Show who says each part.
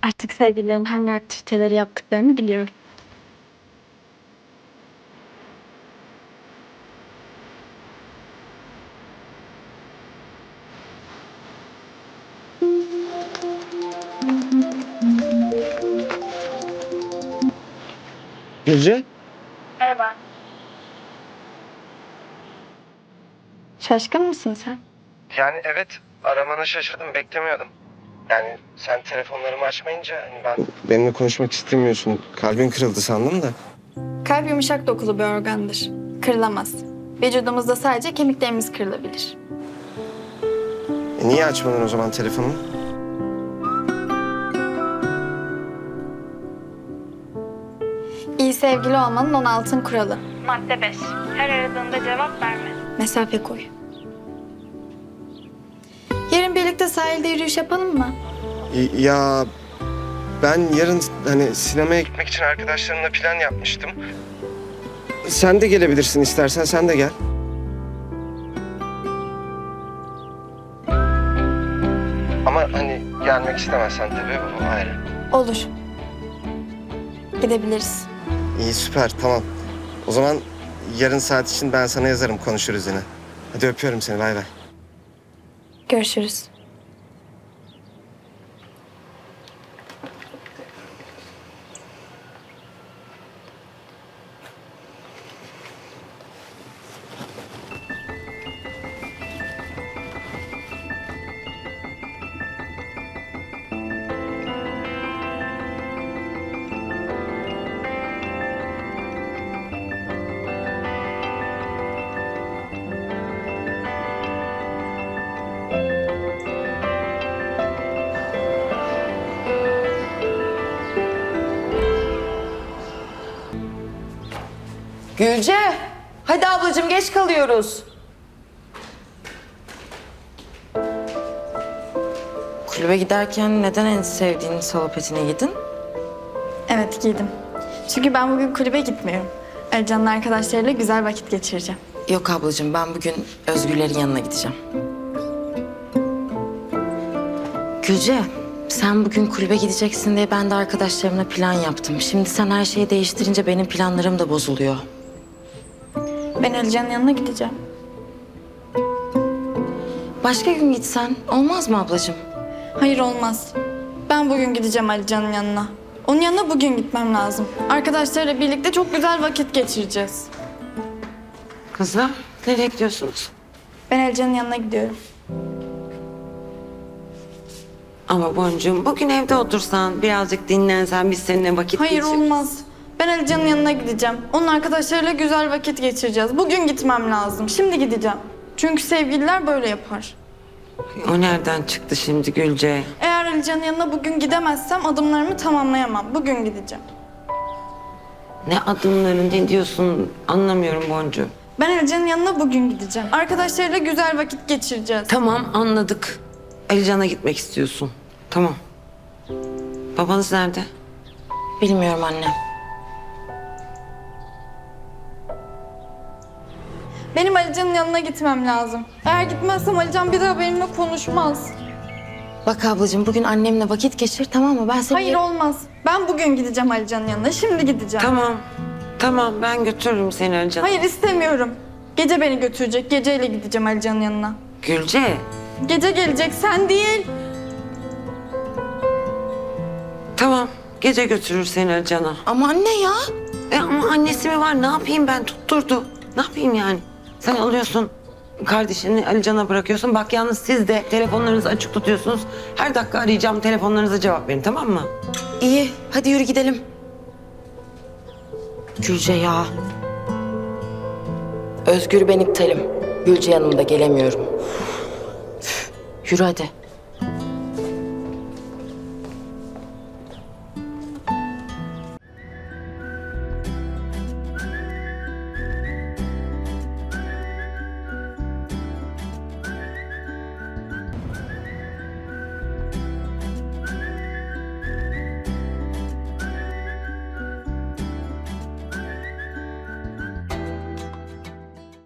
Speaker 1: Artık sevgililerin hangi aktiviteleri yaptıklarını biliyorum.
Speaker 2: Gülce?
Speaker 1: Merhaba. Şaşkın mısın sen?
Speaker 2: Yani evet, aramana şaşırdım, beklemiyordum. Yani sen telefonlarımı açmayınca ben... Benimle konuşmak istemiyorsun. Kalbin kırıldı sandım da.
Speaker 1: Kalp yumuşak dokulu bir organdır. Kırılamaz. Vücudumuzda sadece kemiklerimiz kırılabilir.
Speaker 2: Niye açmadın o zaman telefonumu?
Speaker 1: İyi sevgili olmanın 10 altın kuralı. Madde 5. Her aradığında cevap verme. Mesafe koy. Yarın birlikte sahilde yürüyüş yapalım mı?
Speaker 2: Ya ben yarın hani sinemaya gitmek için arkadaşlarımla plan yapmıştım. Sen de gelebilirsin istersen, sen de gel. Ama hani gelmek istemezsen tabii o ayrı.
Speaker 1: Olur. Gidebiliriz.
Speaker 2: İyi, süper, tamam. O zaman yarın saat için ben sana yazarım, konuşuruz yine. Hadi öpüyorum seni, bay bay.
Speaker 1: Görüşürüz.
Speaker 3: Gülce, hadi ablacığım geç kalıyoruz. Kulübe giderken neden en sevdiğin salopetini giydin?
Speaker 1: Evet, giydim. Çünkü ben bugün kulübe gitmiyorum. Ercan'ın arkadaşlarıyla güzel vakit geçireceğim.
Speaker 3: Yok ablacığım, ben bugün Özgürlerin yanına gideceğim. Gülce, sen bugün kulübe gideceksin diye ben de arkadaşlarımla plan yaptım. Şimdi sen her şeyi değiştirince benim planlarım da bozuluyor.
Speaker 1: Ben Ercan'ın yanına gideceğim.
Speaker 3: Başka gün gitsen olmaz mı ablacığım?
Speaker 1: Hayır, olmaz. Ben bugün gideceğim Alican'ın yanına. Onun yanına bugün gitmem lazım. Arkadaşlarıyla birlikte çok güzel vakit geçireceğiz.
Speaker 4: Kızlar, nereye gidiyorsunuz?
Speaker 1: Ben Alican'ın yanına gidiyorum.
Speaker 4: Ama Boncuğum, bugün evde otursan, birazcık dinlensen, biz seninle vakit
Speaker 1: Hayır,
Speaker 4: geçiririz.
Speaker 1: olmaz. Ben Alican'ın yanına gideceğim. Onun arkadaşlarıyla güzel vakit geçireceğiz. Bugün gitmem lazım. Şimdi gideceğim. Çünkü sevgililer böyle yapar.
Speaker 4: O nereden çıktı şimdi Gülce?
Speaker 1: Eğer Alican'ın yanına bugün gidemezsem adımlarımı tamamlayamam. Bugün gideceğim.
Speaker 4: Ne adımların, ne diyorsun anlamıyorum Boncuğum.
Speaker 1: Ben Alican'ın yanına bugün gideceğim. Arkadaşlarıyla güzel vakit geçireceğiz.
Speaker 4: Tamam, anladık. Alican'a gitmek istiyorsun. Tamam. Babanız nerede?
Speaker 3: Bilmiyorum anne.
Speaker 1: Benim Alican'ın yanına gitmem lazım. Eğer gitmezsem Alican bir daha benimle konuşmaz.
Speaker 3: Bak ablacığım, bugün annemle vakit geçir, tamam mı? Ben seni...
Speaker 1: Hayır, olmaz. Ben bugün gideceğim Alican'ın yanına. Şimdi gideceğim.
Speaker 4: Tamam. Tamam, ben götürürüm seni Alican'a.
Speaker 1: Hayır, istemiyorum. Gece beni götürecek. Geceyle gideceğim Alican'ın yanına.
Speaker 4: Gülce,
Speaker 1: Gece gelecek, sen değil.
Speaker 4: tamam. Gece götürür seni Alican'a.
Speaker 3: Ama anne ya.
Speaker 4: Ama annesi mi var? Ne yapayım ben? Tutturdu. Ne yapayım yani? Sen alıyorsun, kardeşini Alican'a bırakıyorsun. Bak yalnız siz de telefonlarınızı açık tutuyorsunuz. Her dakika arayacağım, telefonlarınıza cevap verin, tamam mı?
Speaker 3: İyi, hadi yürü gidelim. Gülce ya. Özgür ben iptalim. Gülce yanımda gelemiyorum. Üf, yürü hadi.